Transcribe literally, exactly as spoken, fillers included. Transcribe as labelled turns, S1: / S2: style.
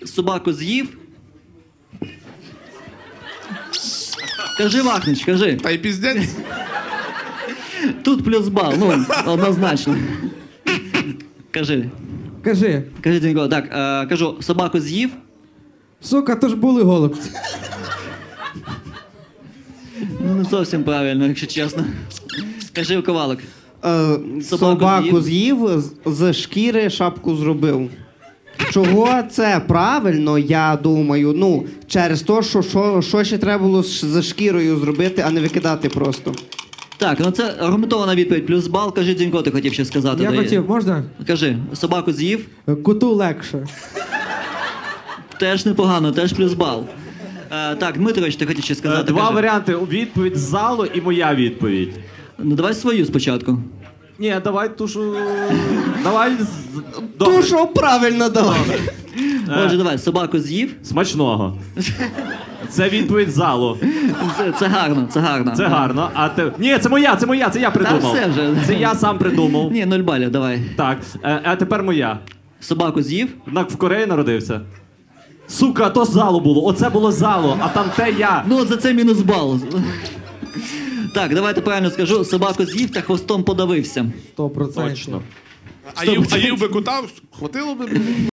S1: собаку з'їв. Кажи, Вахнич, кажи.
S2: Та й піздець.
S1: Тут плюс бал, ну, однозначно. Кажи.
S3: Кажи.
S1: Кажи, Дзінько, так, е, кажу, собаку з'їв.
S3: Сука, то ж були голубці.
S1: Ну, не зовсім правильно, якщо чесно. Кажи, Ковалик.
S4: Е, собаку з'їв, з- з шкіри шапку зробив. Чого це правильно, я думаю, ну, через те, що, що, що ще треба було з з шкірою зробити, а не викидати просто.
S1: Так, ну це аргументована відповідь, плюс бал. Кажи, Дзінько, ти хотів ще сказати.
S3: Я
S1: Дай-
S3: хотів, можна?
S1: Кажи, собаку з'їв.
S3: Куту легше.
S1: Теж непогано, теж плюс бал. Е, так, Дмитрович, ти хотів ще
S5: Е,
S1: сказати.
S5: Два
S1: кажи.
S5: варіанти. Відповідь з залу і моя відповідь.
S1: Ну давай свою спочатку.
S5: Ні, давай ту, що... Давай... з-
S4: То,
S5: Добре.
S4: що правильно давай.
S1: Отже, давай, собаку з'їв.
S5: Смачного. Це відповідь з залу.
S1: Це, це гарно, це гарно.
S5: Це гарно. А те... Ні, це моя, це моя, це я придумав.
S1: все вже.
S5: Це я сам придумав.
S1: Ні, нуль балів, давай.
S5: Так, е, а тепер моя.
S1: Собаку з'їв.
S5: Однак в Кореї народився. Сука, то з залу було. Оце було з залу, а там те я.
S1: Ну, за це мінус бал. Так, давайте правильно скажу. Собаку з'їв та хвостом подавився.
S3: Сто процентів.
S5: Точно.
S2: А їв, а їв би кота, хватило би?